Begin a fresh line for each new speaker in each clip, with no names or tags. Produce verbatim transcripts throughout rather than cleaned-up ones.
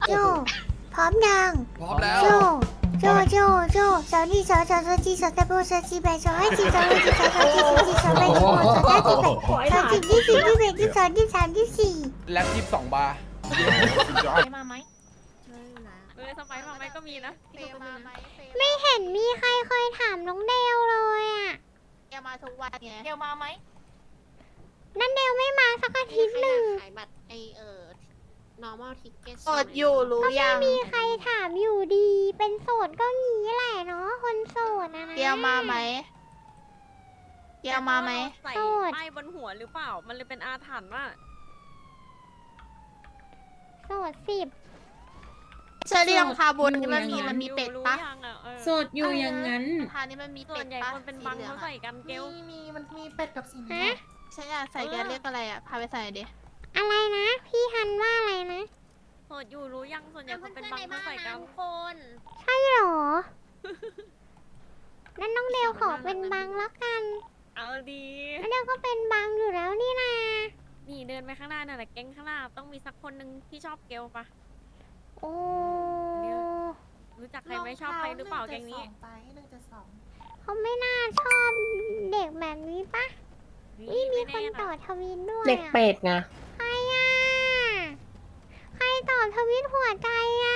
โจพร้อมยัง
พร้อมแล้ว
โจโจโจโจสาวนี่สาวสาวสาวจีสาวตะโบสาวจีแบสาวให้จีสาวให้จีสาวสาวจีสาวจีสาวแบสาวสาวจีแบสาวจีที่สี่ที่แบที่สองที่สามที่สี่
แล็บยี่สิบสองบาร์
มาไหม
เออสมัยมาไหมก็มีนะ
เฟย์มาไหมเฟย์
ไม่เห็นมีใครเคยถามน้องเดลเลยอ่ะ
เกลมาทุกวันไงเกลมาไหม
นั่นเดลไม่มาสักอาทิตย์หนึ่ง
ขายบัตรไอเอ่อ normal ticket
กดอยู่รู้
ก็
ยั
ไม่
ง
มีใครถามอยู่ดี เป็นโสดก็งี้แหละเนาะคนโสดนะนะ
เกลมาไหมเกลมาไหม
ใส่
โสด
ป้ายบนหัวหรือเปล่า มันเลยเป็นอาถรรพ์ว่า
โสดสิบ
เชอรี่รองเท้าบนนี่มันมีมันมีเป็ด
รู้
ปะ
ยังอะเออ
โสดอยู่อย่างนั้น
รองเท้านี่มันมี
ส่
เป็
ว
ด
นใหญ่
ปะ
คนเป็นบังเขาใส่กันเกล
มีมีมันมีเป็ดกับสี
ฮะ
ฉันอยากใส่แกเรียกอะไรอ่ะพาไปใส่ดิ
อะไรนะ พี่ฮันว่าอะไรนะ
โสดอยู่รู้ยังส่วนใหญ่คนเป็นบังเขาใส่กัน
คน
ใช่เหรอ นั่นน้องเดลขอเป็นบังแล้วกัน
เอาดี
น้องเดลก็เป็นบังอยู่แล้วนี่นา
นี่เดินไปข้างหน้านั่นแหละแก๊งข้างหน้าต้องมีสักคนหนึ่งที่ชอบเกลปะ
โอ้
รู้จักใครไหมชอบใครหรือเปล่าแก๊งนี้
ไปหนึ่งจะสอง
เขาไม่น่าชอบเด็กแบบนี้ปะนี่มีคนต่อทวิตด้วย
เด็ก
อะ
เป็ดไง
ใครอ่ะ ใครตอบทวิตหัวใจอ่ะ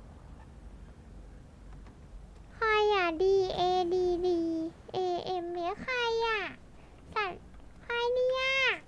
ใครอ่ะ D A D D A M เนี่ยใครอ่ะ สัตว์ใครเนี่ย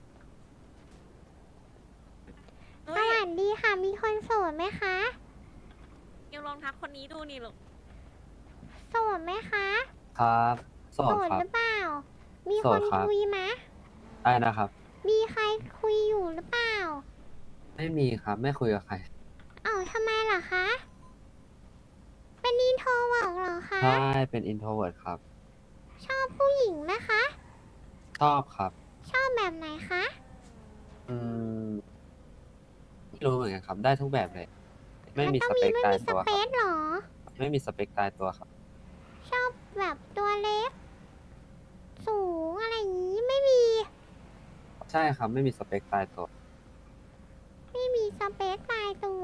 ส
เฮ้ย
วัสดีค่ะ มีคนโสดไหมคะ
เกลลองทักคนนี้ดูนี่ลูก
โสดไหมคะ
ครับโส
โส
ด
ด
ครั
ห
บ
รือเปล่า มี
โส
ค
ด
น
ครับ
คุยไหม
ได้นะครับ
มีใครคุยอยู่หรือเปล่า
ไม่มีครับ ไม่คุยกับใคร
เอ้าทำไมล่ะคะ เป็นอินโทรเวิร์กเหรอคะ
ใช่เป็น introvert ครับ
ชอบผู้หญิงไหมคะ
ชอบครับ
ชอบแบบไหนคะ
อืมไม่รู้เหมือนกันครับ ได้ทุกแบบเลย ไม่มี
ต้
ส
อง
เป
มี
ค
ไม่
ตาย
มีส
ตัว
เป
ครับ
ซเหรอ
ไม่มีสเปคตายตัวครับ
ชอบแบบตัวเล็ก สูงอะไรอย่างนี้ไม่มี
ใช่ครับ ไม่มีสเปคตายตัว
ไม่มีสเปซตายตัว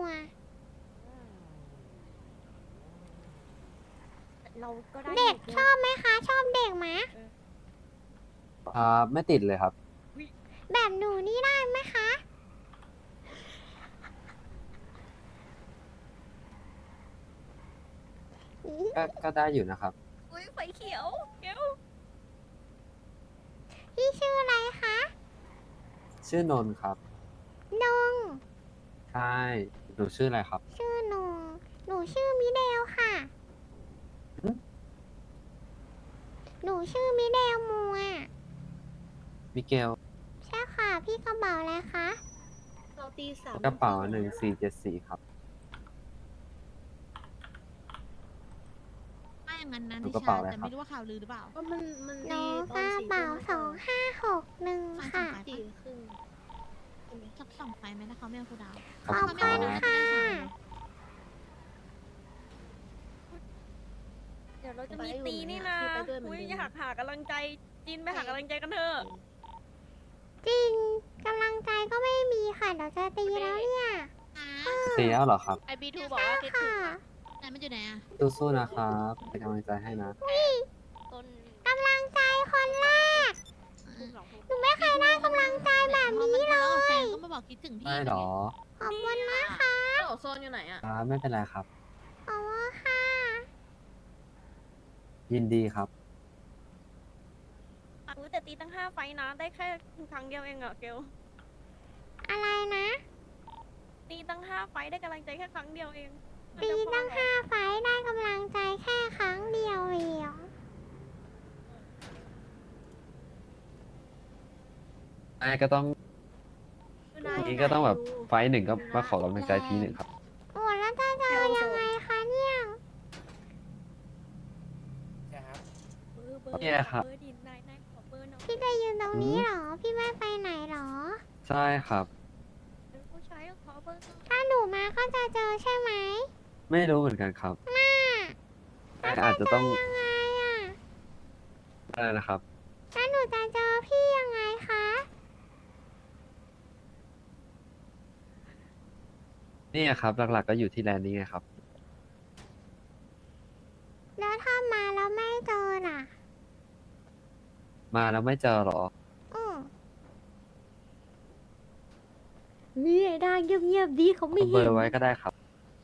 เราก็ได้
เด็กชอบไหมคะ ชอบเด็กไหม
อ่า ไม่ติดเลยครับ
แบบหนูนี่ได้ไหมคะ
ก็ก็ได้อยู่นะครับ
อุ้ยไฟเขียวเกล
พี่ชื่ออะไรคะ
ชื่อนนท์ครับ
นง
ใช่ หนูชื่ออะไรครับ
ชื่อนง หนูชื่อมิเดลค่ะ
หึ
หนูชื่อมิเดลมัว
มิเกล
ใช่ค่ะ พี่กระเป๋าอะไรคะ
เราตีสาม
กระเป๋าหนึ่งสี่เจ็ดสี่ครับ
ไม่อย่างนั้นนะ
หนู
นิ
กระ
ชา
เป๋าอะไร
แต่
ครับ
ไม่รู้ว่าข่าวลือหรือเปล่า
ก็มันมัน
หนู
ดีต
ก
อน
ระ
สี่
เป๋า
ทุ่ม
สองห้าหกหนึ่งค่ะ
สี่ครึ่ง
สักสองไฟไหมนะเขาไม่เอาคูดาว
ขอบ
ขอบ
คุณ
คุ
ค
ณ
รับ
ค่ะ
เดี๋ยวเราจะมีตีนี่นะอุ้ยอยากหากำลังใจจินไปหากำลังใจกันเถอะ
จริงกำลังใจก็ไม่มีค่ะ เดี๋ยวจะตีแล้วเนี่ย
ตีแล้วเหรอครับ
ไอบีทูบอกว่าคิดถึ
ค่ะ
ง
ไหนมันอยู่ไหนอะ
สู้ๆนะครับเป็นกำลังใจให้นะ
ต้น
กำลังใจคนแรก หนูไม่เคยได้กำลังใจแบบนี้เล
แล้วกับแฟ
ย
นก็มาบอกคิดถึงพี่
ได้เหรอ
ขอบคุณนะคะ
โอโซนอยู่ไหนอ่ะ
ครับไม่เป็นไรครับ
ขอบคุณค่ะ
ยินดีครับ
อุ้ยแต่ตีตั้งห้าไฟนะ ได้แค่ครั้งเดียวเองอะเกล
อะไรนะ
ตีตั้งห้าไฟได้กำลังใจแค่ครั้งเดียวเอง
ตีตั้งห้าไฟล์ได้กำลังใจแค่ครั้งเดียวเอง
ไอ้ก็ต้องนี้ก็ต้องแบบไฟท์หนึ่งก็มาขอกำลังใจทีหนึ่งครับ
โอ้แล้วจะเจอยังไงคะเนี่ย
เนี่ยครับ
เบอร์ดินนายนายขอเบอร์หน่อย
พี่จะยืนตรงนี้เหรอ พี่ไม่ไปไหนเหรอ
ใช่ครับ
เป็นผู้ชายก็ขอเบอร์หน่อย
ถ้าหนูมาก็จะเจอใช่ไหม
ไม่รู้เหมือนกันครับ
น่า
แต่อาจจะต้อง
ยังไงอ่ะ
อะไรนะครับ
แล้วหนูจะเจอพี่ยังไงคะ
ยนี่ครับหลักๆก็อยู่ที่แลนด์นี้ไงครับ
แล้วถ้ามาแล้วไม่เจอน่ะ
มาแล้วไม่เจอเหรอ
อืม
นี่ไอ้ด่างเงียบๆดีเขาไม่
เอาเบ
เห็
อน ร์ไว้ก็ได้ครับ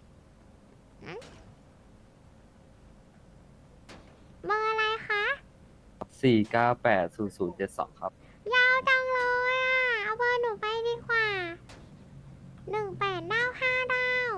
เบอร์อะไรคะ
สี่เก้าแปดศูนย์ศูนย์เจ็ดสองครับ
ยาวจังเลยอ่ะ เอาเบอร์หนูไปดีกว่าหนึ่งแปดเก้าห้าดาว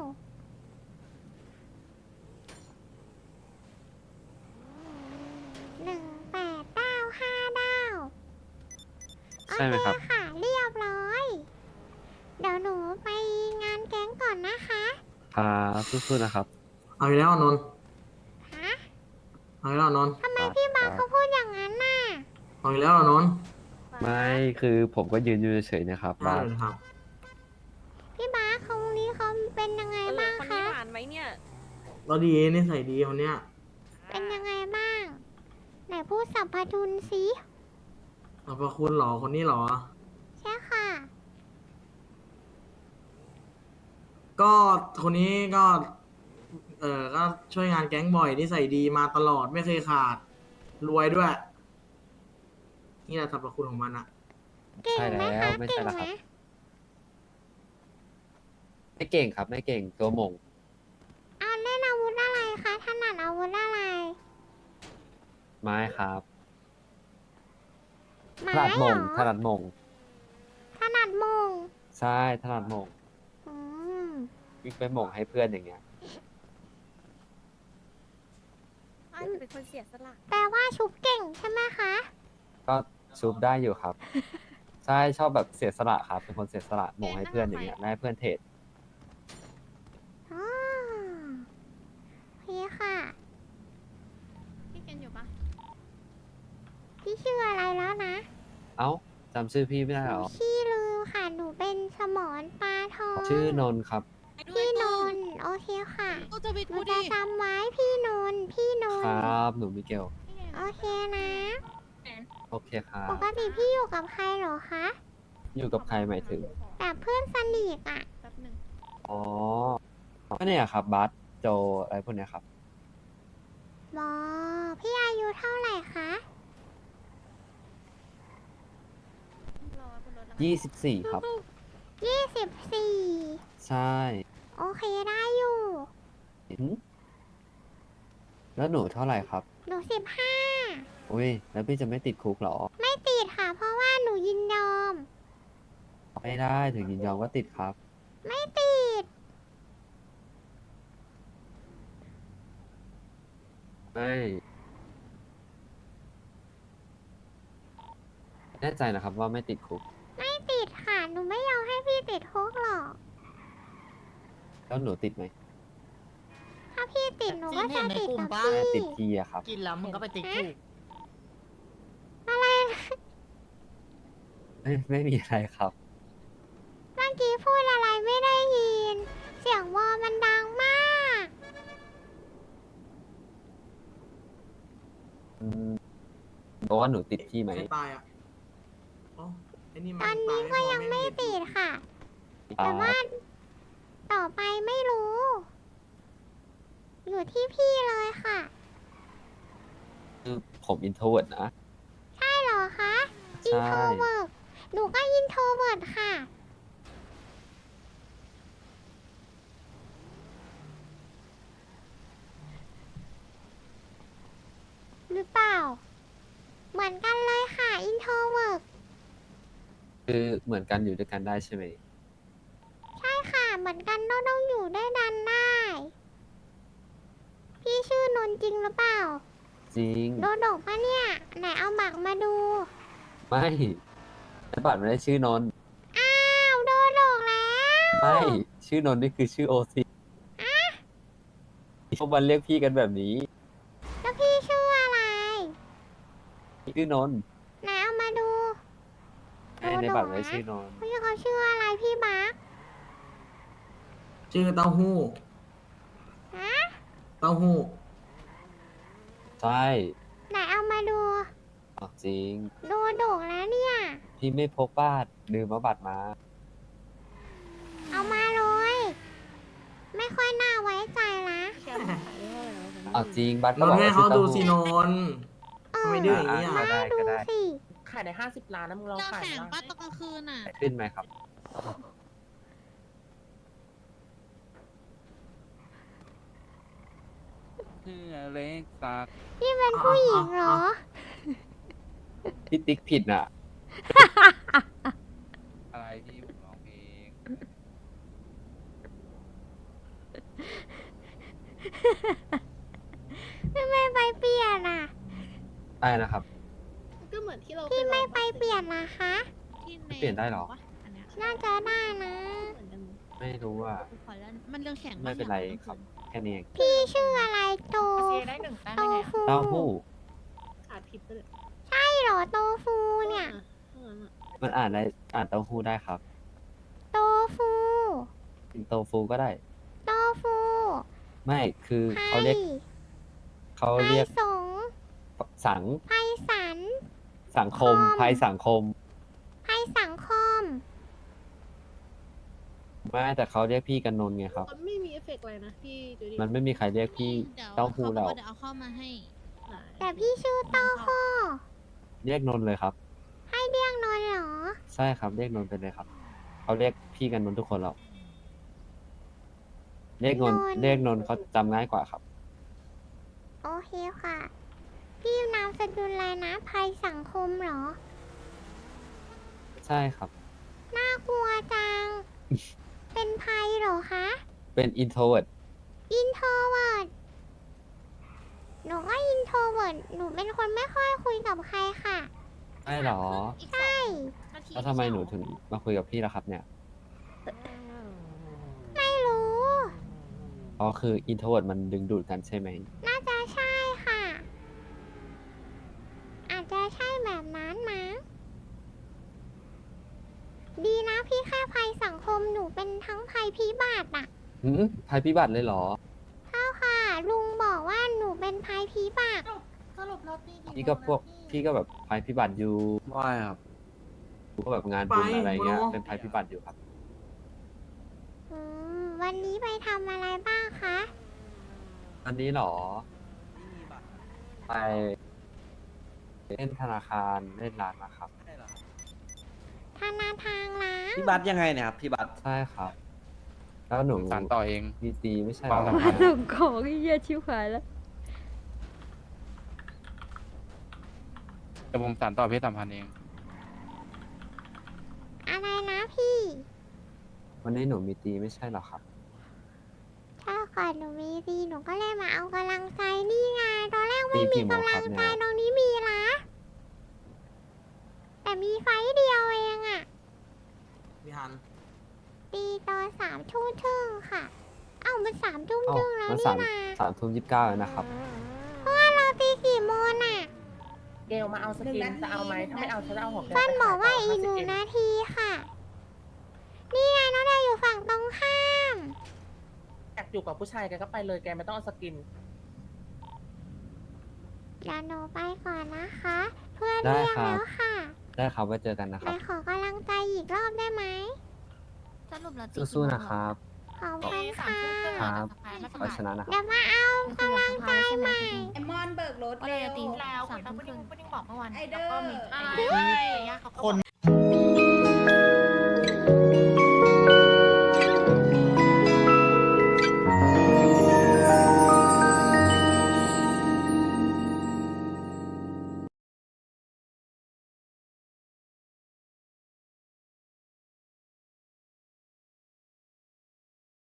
หนึ่งแปดเก้าห้าดาว
ใช่ไหมครับ
โอเคค่ะ เรียบร้อย เดี๋ยวหนูไปงานแก๊งก่อนนะคะ
ครับสู้ๆนะครับ
เอาอีกแล้วนนท์
ฮะ
เอาอีกแล้วนนท์
ทำไมพี่บาเขาพูดอย่างนั้นน่ะ
เอาอีกแล้วนนท์
ไม่คือผมก็ยืนอยู่เฉยๆนะครับ
ได้
ว่า
เลยครับ
พี่บาเขานี้เขาเป็นยังไง
เออ
บ้าง
คน
คะ
นี้ผ่านไหมเนี่ย
เราดีนิสัยดีคนเนี้ย
เป็นยังไงบ้าง ไหนพูดสัพพทุนสิ
ขอบพระคุณเหรอคนนี้เหรอ
ใช่ค่ะ
ก็คนนี้ก็ เออก็ช่วยงานแก๊งบ่อยนิสัยดีมาตลอดไม่เคยขาด รวยด้วย นี่แหละสรรพคุณของมันอะ
เก่ง
ใช่
ไหม
แล้ว
คะ
ไม่
เก่
ใช่
ง
แล้ว
ไห
ค
ม
รับ ไม่เก่งครับ ไม่เก่งตัวหมง
เอาเล่นอาวุธอะไรคะถนัดอาวุธอะไร
ไม้ครับ
ไม้
ถนัด
เห
ห
ร
ม
อง
ถนัดหมง
ถนัดมง
ใช่ถนัดหมง
อืม
วิ่งไปหมงให้เพื่อนอย่างเงี้ย
อาจจะเป็นคนเสียสละ
แปลว่าชุบเก่งใช่ไหมคะ
ก็ซูปได้อยู่ครับ ใช่ชอบแบบเสียสละครับ เป็นคนเสียสละหมงให้เพื่อนอย่างเงี้ยไม่ให้เพื่อนเทรด
อ๋อโอเคค่ะ
พี่เกนอยู่ปะ
พี่ชื่ออะไรแล้วนะ
เอ้าจำชื่อพี่ไม่ได้
ห
เหร
นู
อ
ชื่อลือค่ะ หนูเป็นสมอนปลาทอง
ชื่อนนท์ครับ
พี่นนท์โอเคค่ะ
ก็จะไป
หนู
ดู
จะ
ดิ
จำไว้พี่นนท์พี่น
คน
ท์
รับหนูมิเกล
โอเคนะ
โอเคครั
ป
บ
กติพี่อยู่กับใครเหรอคะ
อยู่กับใครหมายถึง
แบบเพื่อนสนิทอ่ะ
แป๊บหนึง
อ๋อก็เนี่ยครับบัสโจอะไรพวกเนี้ยครับ
บอพี่อายุเท่าไหร่คะ
รอขึ้นรถแล้ว
ยี่สิบสี่ครับ
ยี่สิบสี่
ใช่
โอเคได้อยู่
หืมแล้วหนูเท่าไหร่ครับ
หนูสิบห้า
อุ้ย แล้วพี่จะไม่ติดคุกเหรอ
ไม่ติดค่ะ เพราะว่าหนูยินยอม
ไม่ได้ถึงยินยอมก็ติดครับ
ไม่ติด
ไม่แน่ใจนะครับว่าไม่ติดคุก
ไม่ติดค่ะ หนูไม่ยอมให้พี่ติดคุกหรอก
แล้วหนูติดไหม
ถ้าพี่ติดหนูก็จะติดกับ
แค่ติ
พี่
ดพี่อะครับ
กินแล้วมึงก็ไปติดคุก
อะไรนะ
ไม่ไม่มีอะไรครับ
เมื่อกี้พูดอะไรไม่ได้ยิน เสียงวอมันดังมาก
อืมบอกว่าหนูติดพี่ไหม
ใครตายอะอ๋อไอ้นี่
ต
มั
อน
น
นี้
ตาย
ก็ยังไม่
พอ
ติดค่ะ
อ่า
แต่ว่าต่อไปไม่รู้ อยู่ที่พี่เลยค่ะ
คือผมอินโทรเวิร์ดนะ
ใช่เหรอคะ อิน
ใช่
โทรเวิร์ดหนูก็อินโทรเวิร์ดค่ะ หรือเปล่า เหมือนกันเลยค่ะ อินโทรเวิร์ด
คือเหมือนกันอยู่ด้วยกันได้ใช่ไหม
ใช่ค่ะ เหมือนกันต้องต้องอยู่ได้ดันได้ พี่ชื่อนนท์จริงหรือเปล่า
จริง
โดดกปะเนี่ย ไหนเอาหมักมาดู
ไม่แต่บัตรไม่ได้ชื่อนนท์
อ้าวโดดกแล้ว
ไม่ ชื่อนนท์นี่คือชื่อโอซีพวกมันเรียกพี่กันแบบนี้
แล้วพี่ชื่ออะไร
ชื่อนนท์
ไหนเอามาดู
ไอ้ในบัตรไม่ได้ชื่อนนท์
พี่เขาชื่ออะไรพี่มาร์ค
ชื่อเต้าหู้
ฮะ
เต้าหู้
ใช่
ไหนเอามาดู
อ๋อจริง
โดดกแล้วเนี่ย
พี่ไม่พกบัตรลืมเอาบัตรมา
เอามาเลยค่อยน่าไว้ใจนะ
เอาจริงบัตร
น
ก็
น
บอก
ท์ให้
ว่า
เขา
ซื้อ
ดู
เต้า
สิ
หู้
นนท์ทำไมดื้ออย่างนี้
อ่ะ
อ่ะ
ได้ก็ได้
สิ
ขายได้ห้าสิบล้านนะมึงลอง
เรา
ขาย
แข่ง
นะ
ป้าตอนกลางคืนอ่ะ
ขึ้นไหมครับ
เพื่อเล็กสัก
พี่เป็นผู้หญิงเหรอ
พี่ติ๊กผิดน่ะ
อะไรที่ผมร้องเพลง
ทำไมไปเปลี่ยนอ่ะ
ได้นะครับ
ก็เหมือนที่เรา
พี่ไม่ไปเปลี่ยนนะคะ
ที่ใน
เปลี่ยนได้เหรอ
อันเนี้ย
น่าจะได้นะ
เหมือนกัน
ไม่รู้ว่า
ขอแล้วมันเรื่องแข่ง
ไม่เป็นไรครับ แค่นี้เอง
พี่ชื่ออะไรโต
ได้หนึ่งแต้ม
โต
ได้ไง
ฟู
เต้าหู้
ขาดผิดไปเลย
ใช่เหรอโตฟูเนี่ย
มันอ่านได้อ่านเต้าหู้ได้ครับ
โตฟู
โตฟูก็ได้
โตฟู
ไม่คือ
ไพ
เขาเรียกเขา
ไพ
เรียก
สง
สัง
ไพสัน
สังคม
คอม
ภัยสังคม
ไพสังคม
ไม่แต่เขาเรียกพี่กันนนท์ไงครับ
มันไม่มีเอฟเฟกต์อะไรนะพี่ดูดิ
มันไม่มีใครเรียกพี่
เดี๋ยว
เต้าหู้
เขาบ
เรา
อกว่าเดี๋ยวเอาเข้ามาให้
แต่พี่ชื่อเต้าข้อ
เรียกนนท์เลยครับ
ให้เรียกนนท์เหรอ
ใช่ครับเรียกนนท์ไปเลยครับเขาเรียกพี่กันนนท์ทุกคนหรอกเรียกนนท์
นนท์
เรียกนนท์เขาจำง่ายกว่าครับ
โอเคค่ะ พี่นามสกุลอะไรนะภัยสังคมเหรอ
ใช่ครับ
น่ากลัวจัง เป็นภัยเหรอคะ
เป็น introvert
อินโทรเวิร์ดหนูก็อินโทรเวิร์ดหนูเป็นคนไม่ค่อยคุยกับใครค่ะ
ใช่เหรอ
ใช่
แล้วทำไมหนูถึงมาคุยกับพี่ล่ะครับเนี่ย
ไม่รู้
อ๋อคือ introvert มันดึงดูดกันใช่ไหม
น่าจะใช่ค่ะ อาจจะใช่แบบนั้นมั้งดีนะพี่แค่ภัยสังคมหนูเป็นทั้งภัยพิบัติอะ
หืมภัยพิบัติเลยเหรอ
เท่าค่ะ ลุงบอกว่าหนูเป็นภัยพิบัติ
สรุปเราตี
พี่ก็พวกพี่ก็แบบภัยพิบัติอยู่
ว่ายครับ
พวกแบบงานบุญ
ไป
อะไรเงี้ย
โบร
เป็นภัยพิบัติอยู่ครับ
อืมวันนี้ไปทำอะไรบ้างคะ
อันนี้เหรอ ไปเล่นธนาคารเล่นร้านนะครับ
ธนาทางร้าน
พี่บัตยังไงเนี่ยครับ พี่บัต
ใช่ครับ แล้วหนู
สารต่อเอง
มีตีไม่ใช่เหร
ฟั
อง
แล้ว
มาส่งของไอ้เหี้ยชิวหายแล้ว
แต่ผมสารต่อเพศสัมพันธ์เอง
อะไรนะพี่
วันนี้หนูมีตีไม่ใช่เหรอครับ
ถ้าก่อนหนูมีดีหนูก็เลยมาเอากำลังใจนี่ไงตอนแรกไม่
ตี
มี
กี่โมง
กำ
ค
ลั
รับ
ง
เนี่
ใจ
ย
ตรงนี้มีละแต่มีไฟต์เดียวเองอะ
พี่ฮัน
ตีตอนสามทุ่มครึ่งค่ะ เอ้ามันสามทุ่ม
เอ้า
ครึ่งแล้ว
มัน
นี่
สาม
นะ
สามทุ่มยี่สิบเก้าแล้วนะครับ
เพราะว่าเราตีกี่โมงน่ะ
เกลมาเอาสกินจะเอาไหมถ้าไม่เอาฉันจะเอาของแก
เพื่อนบอกว่าอีกห
นู
นึ่งนาทีค่ะ นี่ไงน้องดาวอยู่ฝั่งตรงข้าม
อยากอยู่กับผู้ชายแกก็ไปเลยแกไม่ต้องเอาสกิน
เดี๋ยวหนูไปก่อนนะคะ เพื่อน
ได้
เรียก
ครับ
แล้วค่ะ
ได้ครับไว้เจอกันนะค
ไหน
รับ
ขอกำลังใจอีกรอบได้ไหม
สรุปเราตี
สู้ๆนะครับ
ขอบคุณค่ะ
ครับขอชนะนะค
เดี๋
รั
ย
บ
วมาเอากำลังใจใหม่
ไอมอนเบิกรถ
ว่าเราจะตี
แล้ว
สามทุ่มครึ่ง
บอกเมื่อวาน
ไอเดอร์
แล้วก็มี
อะไร
ไอ้
คน